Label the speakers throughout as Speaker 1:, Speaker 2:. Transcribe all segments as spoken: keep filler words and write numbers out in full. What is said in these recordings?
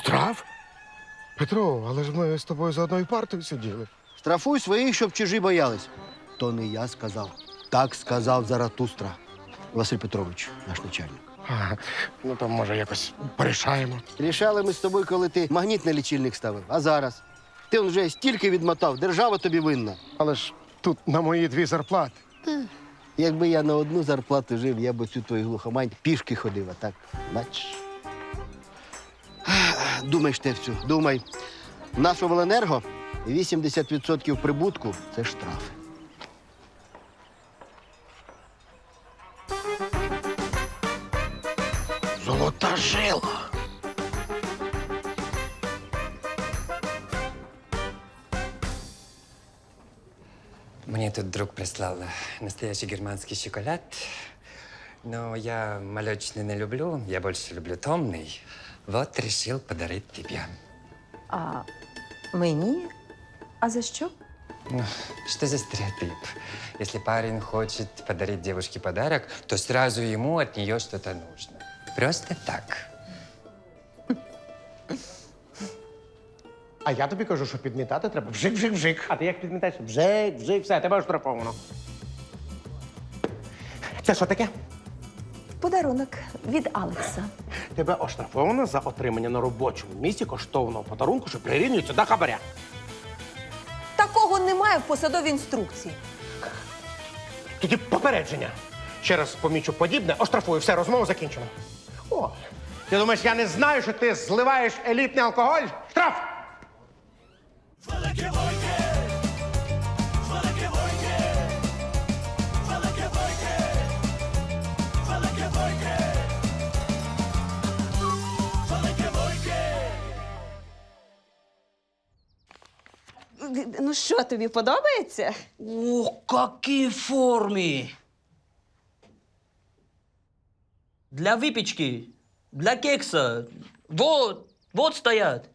Speaker 1: Штраф? Петро, але ж ми з тобою за одною партою сиділи.
Speaker 2: Штрафуй своїх, щоб чужі боялись. То не я сказав. Так сказав Заратустра. Василь Петрович, наш начальник.
Speaker 1: А, ну, то, може, якось порішаємо.
Speaker 2: Рішали ми з тобою, коли ти магнітний лічильник ставив. А зараз? Ти он вже стільки відмотав, держава тобі винна.
Speaker 1: Але ж тут на мої дві зарплати.
Speaker 2: Якби я на одну зарплату жив, я б оцю твою глухомань пішки ходив, а так, бачиш. Думай, Штефцю, думай. В нашу Обленерго вісімдесят відсотків прибутку – це штрафи.
Speaker 1: Золота жила.
Speaker 3: Мне тут друг прислал настоящий германский шоколад. Но я молочный не люблю, я больше люблю томный. Вот решил подарить тебе.
Speaker 4: А мені? А за що?
Speaker 3: Ну, что за стереотип? Если парень хочет подарить девушке подарок, то сразу ему от нее что-то нужно. Просто так.
Speaker 1: А я тобі кажу, що підмітати треба вжик-вжик-вжик.
Speaker 5: А ти як підмітаєш? Бжик, бжик, все, тебе оштрафовано. Це що таке?
Speaker 4: Подарунок від Алекса.
Speaker 5: Тебе оштрафовано за отримання на робочому місці коштовного подарунку, що прирівнюється до хабаря.
Speaker 4: Такого немає в посадовій інструкції.
Speaker 5: Тоді попередження. Ще раз помічу подібне, оштрафую, все, розмова закінчена. О, ти думаєш, я не знаю, що ти зливаєш елітний алкоголь? Штраф!
Speaker 4: Ну що, тобі подобається?
Speaker 6: О, какие формы! Для выпечки, для кекса. Вот, вот стоят.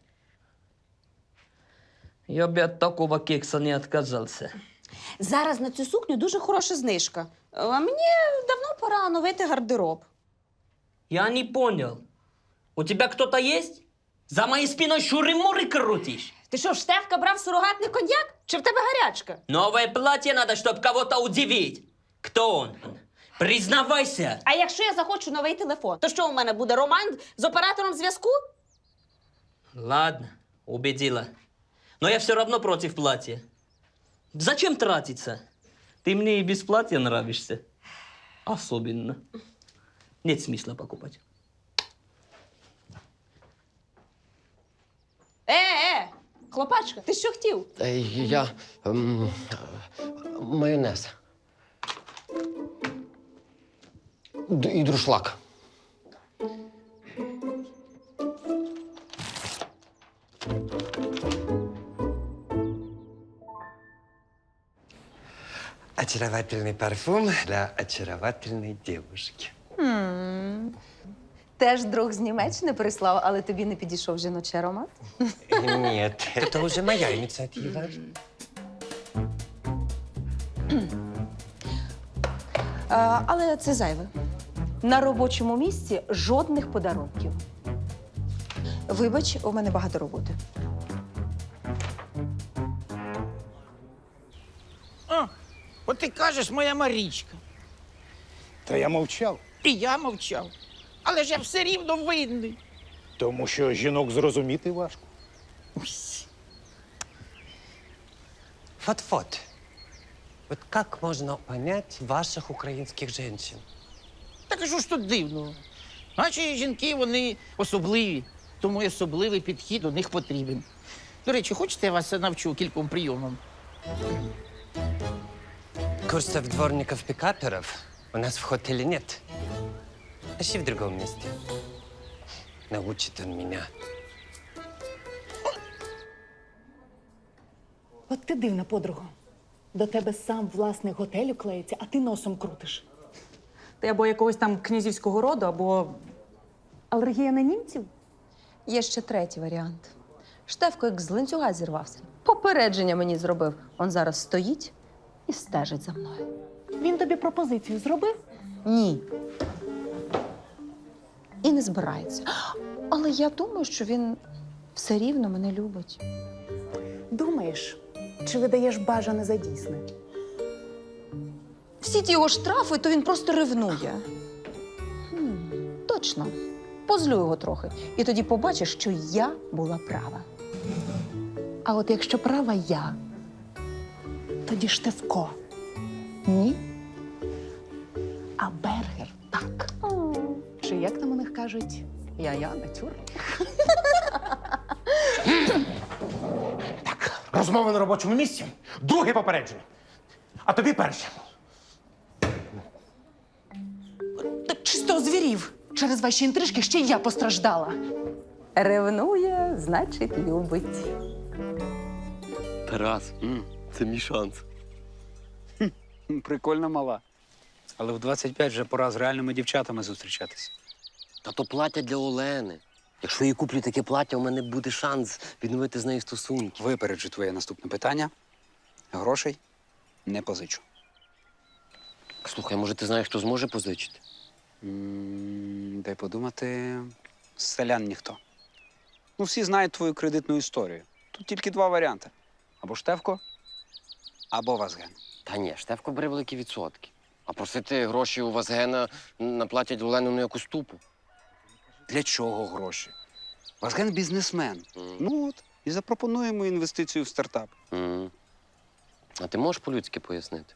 Speaker 6: Я бы от такого кекса не отказался.
Speaker 7: Зараз на цю сукню дуже хороша знижка. А мені давно пора оновити гардероб.
Speaker 6: Я не понял. У тебя кто-то есть? За моей спиной шуры-муры крутишь?
Speaker 7: Ти що, в Штефка брав сурогатний коньяк? Чи в тебе гарячка?
Speaker 6: Новое платье надо, чтобы кого-то удивить. Кто он? Признавайся.
Speaker 7: А якщо я захочу новий телефон, то що у мене буде роман з оператором зв'язку?
Speaker 6: Ладно, убедила. Но я все равно против платья. Зачем тратиться? Ты мне и без платья нравишься. Особенно. Нет смысла покупать.
Speaker 7: Е-е, хлопачка, ти що хотів?
Speaker 8: Е, Я ем, майонез. Д- І друшлак.
Speaker 3: Очаровательный парфюм для очаровательной девушки.
Speaker 4: Теж друг з Німеччини прислав, але тобі не підійшов жіночий аромат?
Speaker 3: Нет, это уже моя инициатива.
Speaker 4: А, але це зайве. На робочому місці жодних подарунків. Вибач, у мене багато роботи.
Speaker 9: О, от ти кажеш, моя Марічка.
Speaker 10: Та я мовчав,
Speaker 9: І я мовчав. Але ж я все рівно винний.
Speaker 10: тому що жінок зрозуміти важко.
Speaker 3: Вот-вот. Вот как можно понять ваших украинских женщин?
Speaker 9: Так а що ж тут дивного? Наші жінки, вони особливі, тому й особливий підхід до них потрібен. До речі, хочете, я вас навчу кільком прийомам?
Speaker 3: Курсов дворников-пикаперов у нас в хотеле нет. Ищи в другом месте. Научит он меня.
Speaker 11: От ти дивна, подруга. До тебе сам власник готелю клеїться, а ти носом крутиш. Ти або якогось там князівського роду, або алергія на німців?
Speaker 4: Є ще третій варіант. Штефко як з ланцюга зірвався. Попередження мені зробив. Он зараз стоїть і стежить за мною.
Speaker 11: Він тобі пропозицію зробив?
Speaker 4: Ні. І не збирається. Але я думаю, що він все рівно мене любить.
Speaker 11: Думаєш, чи видаєш бажане за дійсне?
Speaker 4: Всі ті його штрафи, то він просто ревнує. Хм, точно. Позлю його трохи. І тоді побачиш, що я була права.
Speaker 11: А от якщо права я, тоді Штефко.
Speaker 4: Ні?
Speaker 11: А Бергер так. Чи як там у них кажуть? Я-я, натюр.
Speaker 5: Так, розмова на робочому місці. Друге попередження. А тобі перше.
Speaker 11: Так чисто озвірів. Через ваші інтрижки ще й я постраждала.
Speaker 4: Ревнує, значить, любить.
Speaker 8: Тарас, це мій шанс.
Speaker 12: Прикольна мала. Але в двадцять п'ять вже пора з реальними дівчатами зустрічатися.
Speaker 8: Та то плаття для Олени. Якщо я куплю таке плаття, у мене буде шанс відновити з нею стосунки.
Speaker 12: Випереджу твоє наступне питання. Грошей не позичу.
Speaker 8: Слухай, може, ти знаєш, хто зможе позичити?
Speaker 12: М, Дай подумати, з селян ніхто. Ну, всі знають твою кредитну історію. Тут тільки два варіанти. Або Штефко, або Вазген.
Speaker 8: Та ні, Штефко бере великі відсотки. А просити гроші у Вазгена на плаття для Олени ну якусь тупо.
Speaker 12: Для чого гроші? Вазген бізнесмен. Ну от, і запропонуємо інвестицію в стартап.
Speaker 8: М. А ти можеш по-людськи пояснити?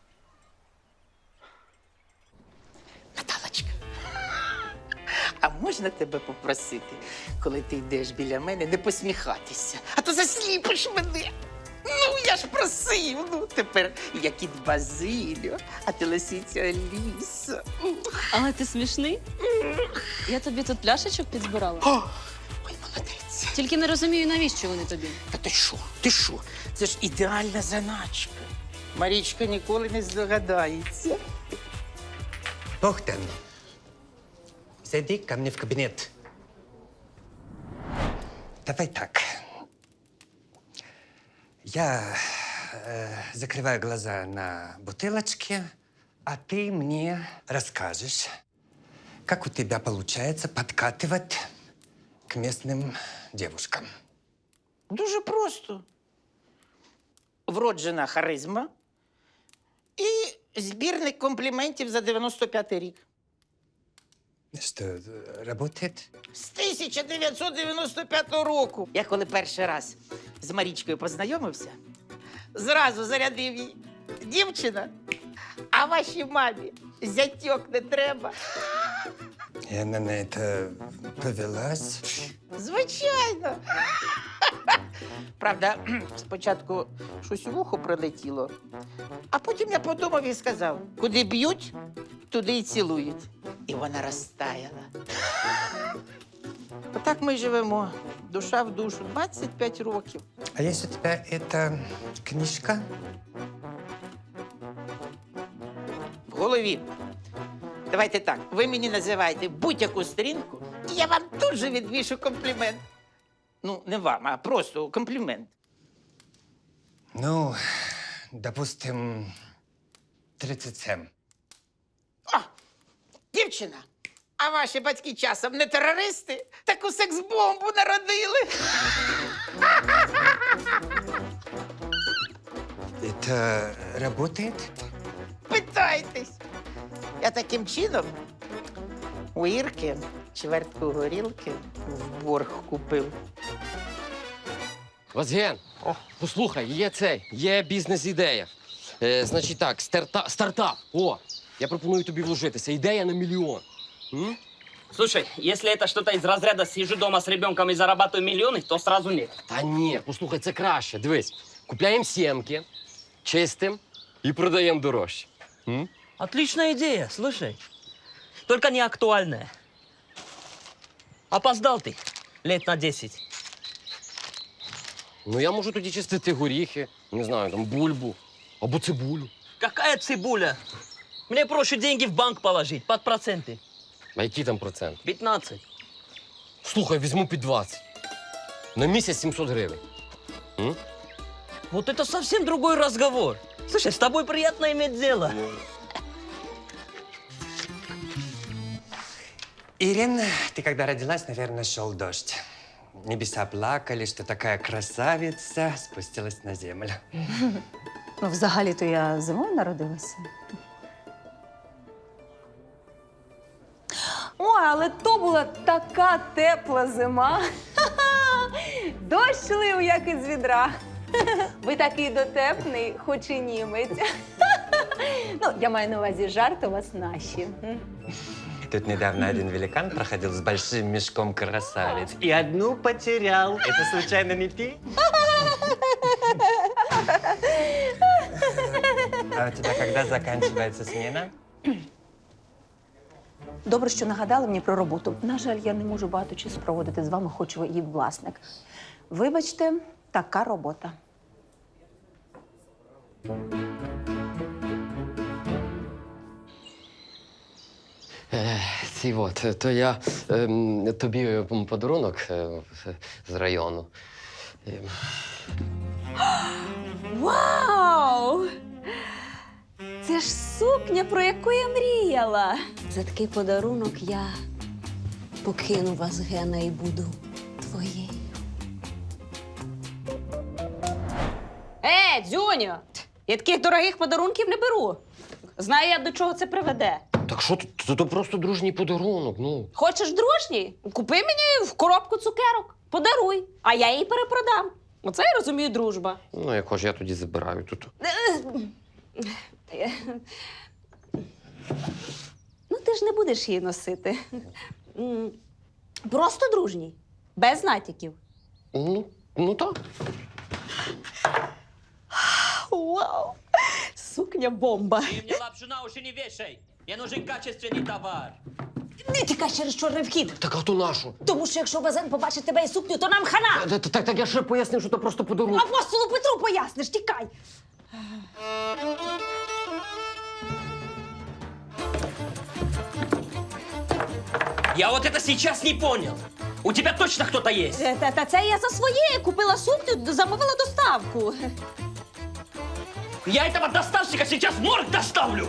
Speaker 9: Наталочка, а можна тебе попросити, коли ти йдеш біля мене, не посміхатися, а то засліпиш мене. Ну, я ж просив. Ну, тепер я кіт Базиліо, а ти лисиця Аліса.
Speaker 7: Але ти смішний. Я тобі тут пляшечок підзбирала.
Speaker 9: Ой, молодець.
Speaker 7: Тільки не розумію, навіщо вони тобі.
Speaker 9: Та ти що? Ти що? Це ж ідеальна заначка. Марічка ніколи не здогадається.
Speaker 3: Богдан, зайди ко мне в кабинет. Давай так. Я э, закрываю глаза на бутылочке, а ты мне расскажешь, как у тебя получается подкатывать к местным девушкам.
Speaker 9: Дуже просто. Вроджена харизма і збірник компліментів за дев'яносто п'ятий рік.
Speaker 3: Что, э, работает?
Speaker 9: З тисяча дев'ятсот дев'яносто п'ятого року. Я коли перший раз з Марічкою познайомився, зразу зарядив їй. Дівчина, а вашій мамі зятьок не треба.
Speaker 3: И она на это повелась.
Speaker 9: Звичайно. Правда, спочатку щось у вухо прилетіло, а потім я подумав і сказав, куди б'ють, туди й цілують. І вона розтаяла. Отак ми й живемо, душа в душу, двадцять п'ять років.
Speaker 3: А есть у тебя эта книжка?
Speaker 9: В голові. Давайте так, ви мені називаєте будь-яку сторінку, і я вам тут же відвішу комплімент. Ну, не вам, а просто комплімент.
Speaker 3: Ну, допустим, тридцать семь.
Speaker 9: О, дівчина, а ваші батьки часом не терористи? Таку секс-бомбу народили.
Speaker 3: Это работает?
Speaker 9: Питайтесь. Я таким чином у Ірки чвертку горілки в борг купив.
Speaker 8: Вазген, послухай, є цей, є бізнес-ідея. Е, значить так, старта, стартап. О, я пропоную тобі вложитися. Ідея на мільйон. М?
Speaker 6: Слушай, если это что-то из разряда «сижу дома с ребенком и зарабатываю миллионы», то сразу нет.
Speaker 8: Та ні, послухай, це краще. Дивись, купляємо сімки, чистим і продаємо дорожче. М?
Speaker 6: Отличная идея, слушай. Только не актуальная. Опоздал ты лет на десять.
Speaker 8: Ну, я можу тоді чистити горіхи, не знаю, там бульбу або цибулю.
Speaker 6: Какая цибуля? Мне проще деньги в банк положить под проценты.
Speaker 8: А який там процент?
Speaker 6: пятнадцать.
Speaker 8: Слухай, візьму під двадцять. На місяць сімсот гривень. М?
Speaker 6: Вот это совсем другой разговор. Слушай, с тобой приятно иметь дело.
Speaker 3: Ирина, ты когда родилась, наверное, шел дождь. небеса плакали, что такая красавица спустилась на землю.
Speaker 4: Ну, взагалі-то я зимою народилася. Ой, але то була така тепла зима. Дощ лив, як із відра. Ви такий дотепний, хоч і німець. Ну, я маю на увазі жарт у вас наші.
Speaker 3: Тут недавно один великан проходил с большим мешком красавиц. И одну потерял. Это случайно не ты? А у тебя когда заканчивается смена?
Speaker 4: Добре, що нагадали мені про роботу. На жаль, я не можу багато часу проводити з вами, хоч ви і власник. Вибачте, така робота.
Speaker 8: Е, ці от, то я ем, тобі м, подарунок е, з району. Е,
Speaker 7: Вау! Це ж сукня, про яку я мріяла. За такий подарунок я покину вас, Гена, і буду твоєю. Е, дзюню! Я таких дорогих подарунків не беру. Знаю я, до чого це приведе.
Speaker 8: Так що тут? Це то просто дружній подарунок, ну.
Speaker 7: Хочеш дружній? Купи мені в коробку цукерок, подаруй, а я її перепродам. Оце я розумію дружба.
Speaker 8: Ну, як хоч я тоді забираю тут.
Speaker 7: Ну, ти ж не будеш її носити. М, Просто дружній, без натяків.
Speaker 8: Ну, ну так.
Speaker 7: Вау! Сукня бомба.
Speaker 6: Ты мне лапшу на уши не вешай. Мне нужен качественный товар.
Speaker 7: Не тікай через чорний вхід.
Speaker 8: Так а то нашу?
Speaker 7: Тому що якщо Базен побачить тебе і сукню, то нам хана.
Speaker 8: Так, так, так я ще пояснив, що це просто подарунок.
Speaker 7: Апостолу Петру поясниш, тікай.
Speaker 6: Я вот это сейчас не понял. У тебя точно кто-то есть?
Speaker 7: Е, Та, та це я за своє купила сукню, замовила доставку.
Speaker 6: Я этого доставщика сейчас в морг доставлю.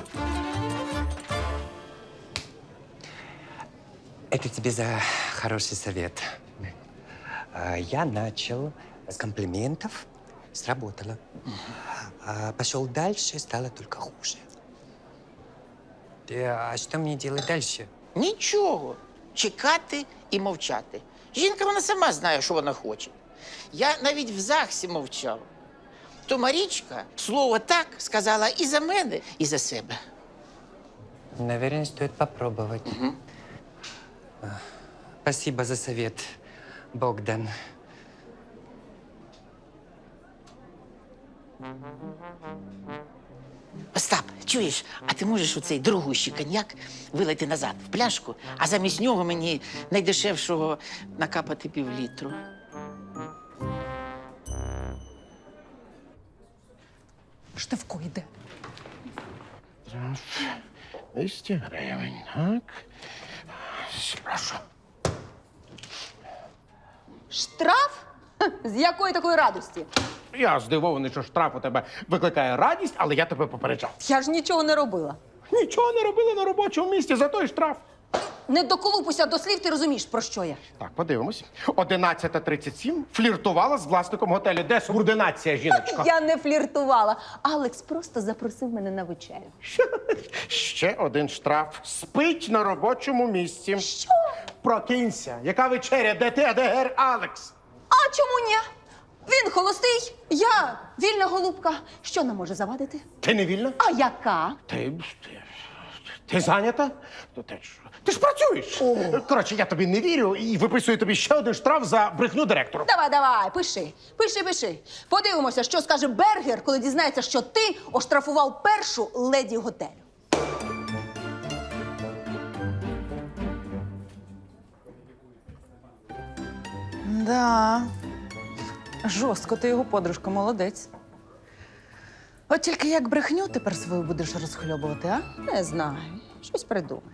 Speaker 3: Это тебе за хороший совет. А, Я начал с комплиментов, сработало. А Пошел дальше, стало только хуже. Э, А что мне делать дальше?
Speaker 9: Нічого. Чекати і мовчати. Жінка, вона сама знає, що вона хоче. Я навіть в ЗАГСі мовчав. То Марічка слово «так» сказала і за мене, і за себе.
Speaker 3: Наверное, стоит попробовать. А, Спасибо за совет, Богдан.
Speaker 9: Остап, чуєш, а ти можеш оцей дорогущий коньяк вилити назад в пляшку, а замість нього мені найдешевшого накапати півлітру.
Speaker 11: Штавко йде.
Speaker 5: двісті гривень, так. Прошу.
Speaker 4: Штраф? Ха, з якої такої радості?
Speaker 5: Я здивований, що штраф у тебе викликає радість, але я тебе попереджав.
Speaker 4: Я ж нічого не робила.
Speaker 5: Нічого не робили на робочому місці, за той штраф.
Speaker 4: Не доколупуйся до слів, ти розумієш, про що я.
Speaker 5: Так, подивимось. одинадцята тридцять сім фліртувала з власником готелю. Де субординація, жіночко?
Speaker 4: Я не фліртувала. Алекс просто запросив мене на вечерю.
Speaker 5: Ще один штраф. Спить на робочому місці.
Speaker 4: Що?
Speaker 5: Прокинься. Яка вечеря? Де ти, а де гер Алекс?
Speaker 4: А чому ні? Він холостий, я вільна голубка. Що нам може завадити?
Speaker 5: Ти не вільна?
Speaker 4: А яка?
Speaker 5: Ти, ти, ти зайнята? То ти ж, ти ж працюєш. Коротше, я тобі не вірю і виписую тобі ще один штраф за брехню директору.
Speaker 4: Давай, давай, пиши, пиши, пиши. Подивимося, що скаже Бергер, коли дізнається, що ти оштрафував першу леді готелю.
Speaker 11: Да. Жорстко ти його подружка, молодець. От тільки як брехню тепер свою будеш розхльобувати, а?
Speaker 4: Не знаю, щось придумай.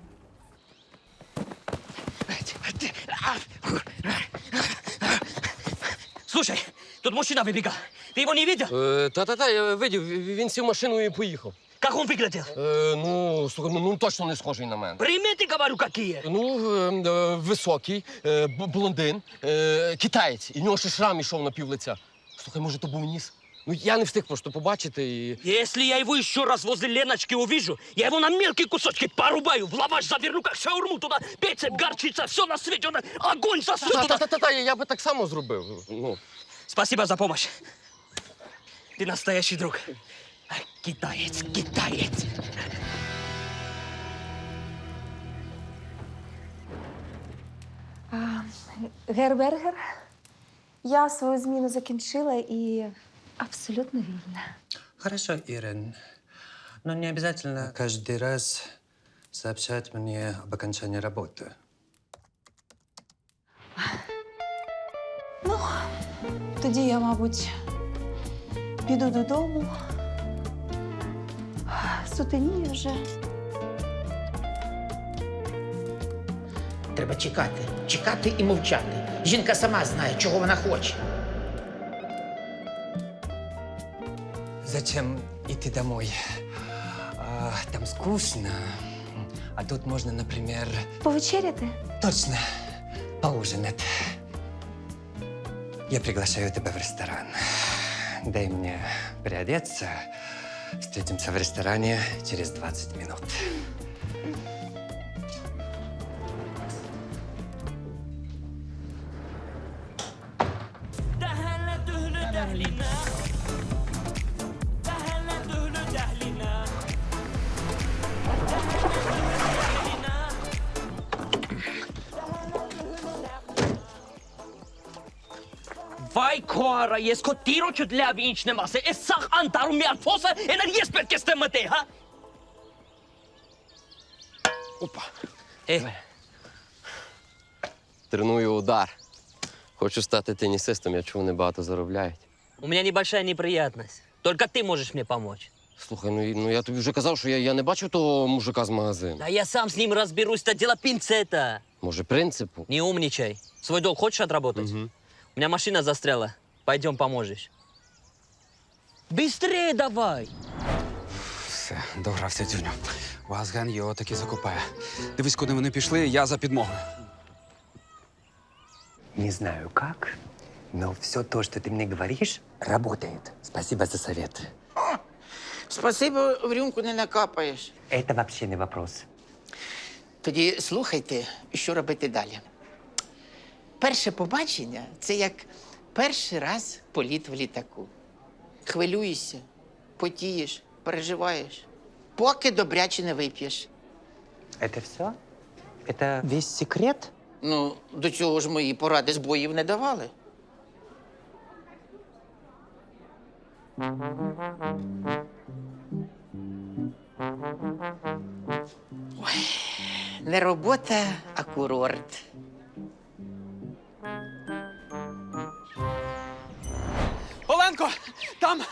Speaker 6: Слушай, тут мужчина выбегал. Ты его не видел?
Speaker 8: Е, Та-та-та, я видів, він сів в машину і поїхав.
Speaker 6: Как он выглядел?
Speaker 8: Е, ну, слухай, ну, ну точно не схожий на мене.
Speaker 6: Приметы, говорю, какие?
Speaker 8: Ну, е, е, високий, е, б- блондин, е, китаєць. І в нього ще шрам ішов на пів лиця. Слухай, може, то був ніс? Ну, я не встиг просто побачити і.
Speaker 6: Если я его еще раз возле Леночки увижу, я его на мелкие кусочки порубаю, в лаваш заверну, как шаурму туда, пецеп, горчица, все на свете, он огонь засу туда.
Speaker 8: Та-та-та-та, я би так само зробив. Ну.
Speaker 6: Спасибо за помощь. Ты настоящий друг. А, Китаец, китаец.
Speaker 4: Гербергер, я свою зміну закінчила і абсолютно вільна.
Speaker 3: Хорошо, Ирен. Но не обязательно каждый раз сообщать мне об окончании работы.
Speaker 4: Ну, тоді я, мабуть, піду додому. Сутеніє вже.
Speaker 9: Треба чекати, чекати і мовчати. Жінка сама знає, чого вона хоче.
Speaker 3: Зачем идти домой? А, там скучно. А тут можно, например,
Speaker 4: Повечеряти?
Speaker 3: точно поужинать. Я приглашаю тебя в ресторан. Дай мне переодеться. Встретимся в ресторане через двадцать минут.
Speaker 6: Vai koara, jesko tiroču dla vinčne mase, esach antaru miarfosa, energije spetke stemate, ha?
Speaker 8: Опа.
Speaker 6: Е,
Speaker 8: Треную удар. Хочу стати тенісистом, я чув, вони багато заробляють.
Speaker 6: у меня небольшая неприятность. Только ты можешь мне помочь.
Speaker 8: Слухай, ну, і- ну я тобі вже казав, що я, я не бачив того мужика з магазину.
Speaker 6: Да я сам с ним разберусь, это дело пинцета.
Speaker 8: Може, принципу?
Speaker 6: Не умничай. Свой долг хочешь отработать?
Speaker 8: Мгм.
Speaker 6: У меня машина застряла. Пойдем поможешь. Быстрее давай!
Speaker 12: Все, догрався, Дзюню. Вазген його таки закопає. Дивись, куди вони пішли, я за підмогою.
Speaker 3: Не знаю как, но все то, что ты мне говоришь, работает. Спасибо за совет.
Speaker 9: Спасибо, в рюмку не накапаєш.
Speaker 3: Это вообще не вопрос.
Speaker 9: Тоді слухайте, що робити далі. Перше побачення – це як перший раз політ в літаку. Хвилюєшся, потієш, переживаєш, поки добряче не вип'єш.
Speaker 3: Это все? Это весь секрет?
Speaker 9: Ну, до цього ж мої поради збоїв не давали. Ой, не робота, а курорт.
Speaker 12: Оленко, там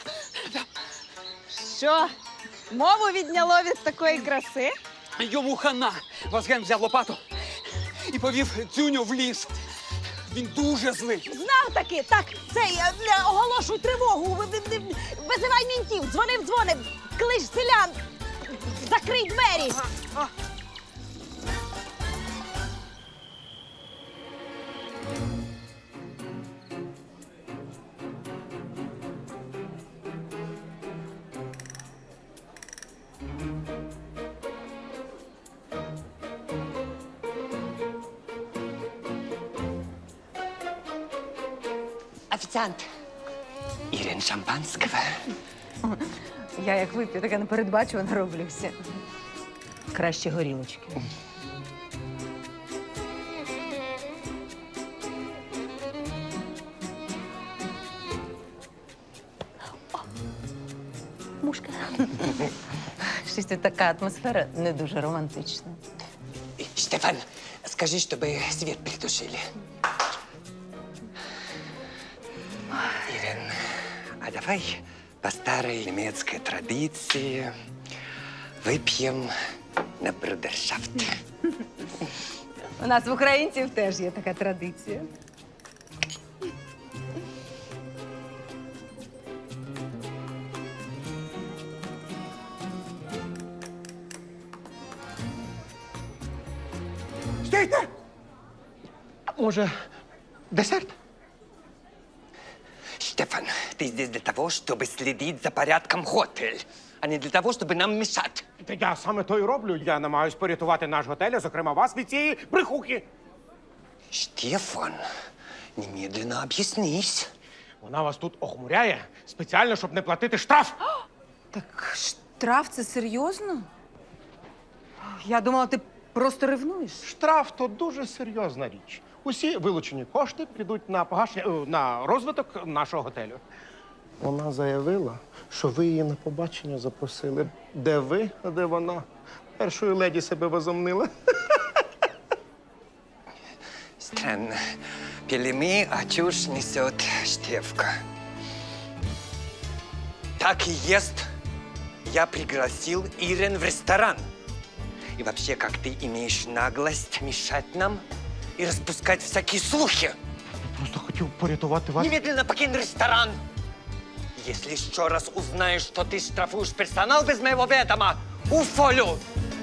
Speaker 11: Що? Мову відняло від такої краси?
Speaker 12: йому хана. Вазген взяв лопату і повів Дзюню в ліс. Він дуже злий.
Speaker 7: Знав таки, так, цей, е, е, оголошуй тривогу, ви- ви- ви- визивай мінтів, дзвонив, дзвонив, клич селян, закрий двері.
Speaker 3: Официант. Ирин, шампанского.
Speaker 4: Я як вип'ю, таке непередбачувано роблюся. Краще горілочки.
Speaker 7: Мушка.
Speaker 4: Щось тут така атмосфера не дуже романтична.
Speaker 3: Штефан, скажи, чтобы свет притушили. Ирин, а давай по старой немецкой традиции выпьем на брудершафт.
Speaker 4: У нас в українців теж є така традиція.
Speaker 5: Стійте! Може, десерт?
Speaker 3: Штефан, ты здесь для того, чтобы следить за порядком в готель, а не для того, чтобы нам мешать.
Speaker 5: Та я саме то й роблю. Я намагаюсь порятувати наш готель, а зокрема вас від цієї брехухи.
Speaker 3: Штефан, немедленно объяснись.
Speaker 5: Вона вас тут охмуряє спеціально, щоб не платити штраф.
Speaker 4: Так штраф це серйозно? Я думала, ти просто ревнуєш.
Speaker 5: Штраф то дуже серйозна річ. Усі вилучені кошти підуть на погашення, е, на розвиток нашого готелю. Вона заявила, що ви її на побачення запросили. Де ви, а де вона? Першою леді себе возомнила.
Speaker 3: Странно. Пили мы, а чушь несет Штефка. Так и есть. Я пригласил Ирен в ресторан. И вообще, как ты имеешь наглость мешать нам и распускать всякие слухи?
Speaker 5: Просто хотів порятувати вас.
Speaker 3: Немедленно покинь ресторан! Если еще раз узнаешь, что ты штрафуешь персонал без моего ведома, уволю!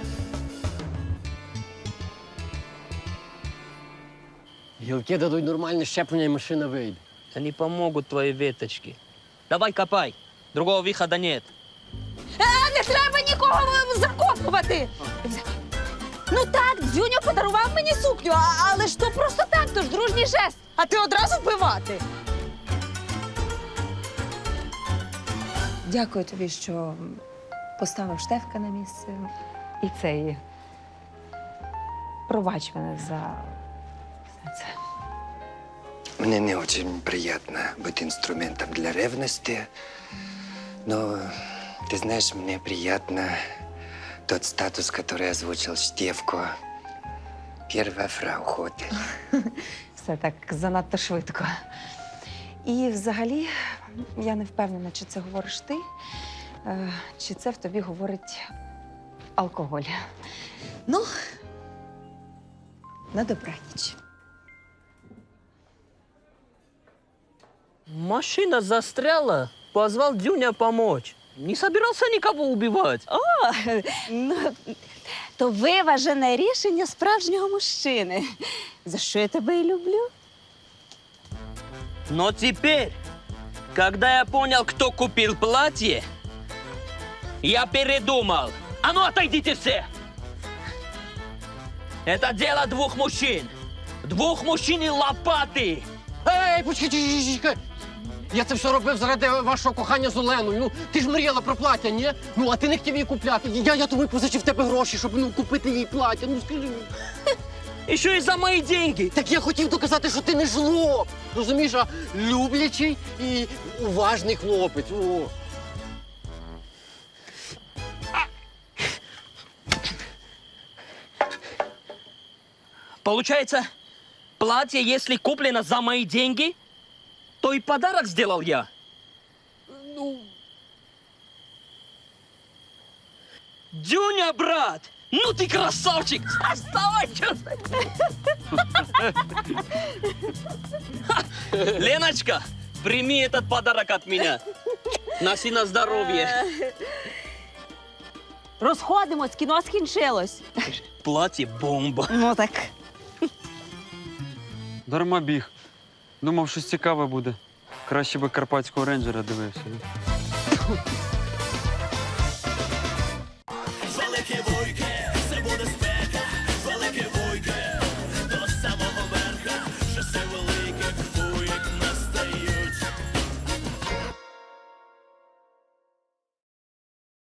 Speaker 8: Гілки дадуть нормальне щеплення, і машина вийде.
Speaker 6: Да не помогут твои веточки. Давай копай. Другого выхода нет.
Speaker 4: А, не треба нікого закопувати! Ну так, Дзюньо подарував мені сукню, а- але ж то просто так, то ж дружній жест. А ти одразу вбивати. Дякую тобі, що поставив Штефка на місце. І цей. Пробач мене за все це.
Speaker 3: Мне не очень приятно быть инструментом для ревности, но, ты знаешь, мне приятно тот статус, который озвучил Штефко. Первая фрау Хотель.
Speaker 4: Все так занадто швидко. І взагалі, я не впевнена, чи це говориш ти, е, чи це в тобі говорить алкоголь. Ну, на добраніч.
Speaker 6: Машина застряла. Позвал Дюня помочь. Не собирался никого убивать.
Speaker 7: О, ну, то виважене рішення справжнього мужчини. За що я тебе і люблю?
Speaker 6: Но теперь, когда я понял, кто купил платье, я передумал. А ну, отойдите все! Это дело двух мужчин. Двух мужчин и лопаты.
Speaker 8: Ей, почекай, чекай! Я це все робив заради вашого кохання з Оленою. Ну, ти ж мріяла про плаття, ні? Ну, а ти не хотів її купляти. Я, я тобі позичив в тебе гроші, щоб ну, купити їй плаття. Ну, скажи.
Speaker 6: Еще и за мои деньги.
Speaker 8: Так я хотів доказати, що ти не жлоб. Розумієш, а люблячий і уважний хлопець. О.
Speaker 6: Получается, платье, если куплено за мои деньги, то и подарок сделал я. Ну... Дюня, брат! Ну ты красавчик! Оставай, чувствуй! Леночка, прими этот подарок от меня. Носи на здоровье.
Speaker 7: Розходимось, кіно скінчилось.
Speaker 6: Платье бомба.
Speaker 7: Ну так.
Speaker 13: Дарма біг. Думав, щось цікаве буде. Краще би карпатського рейнджера дивився.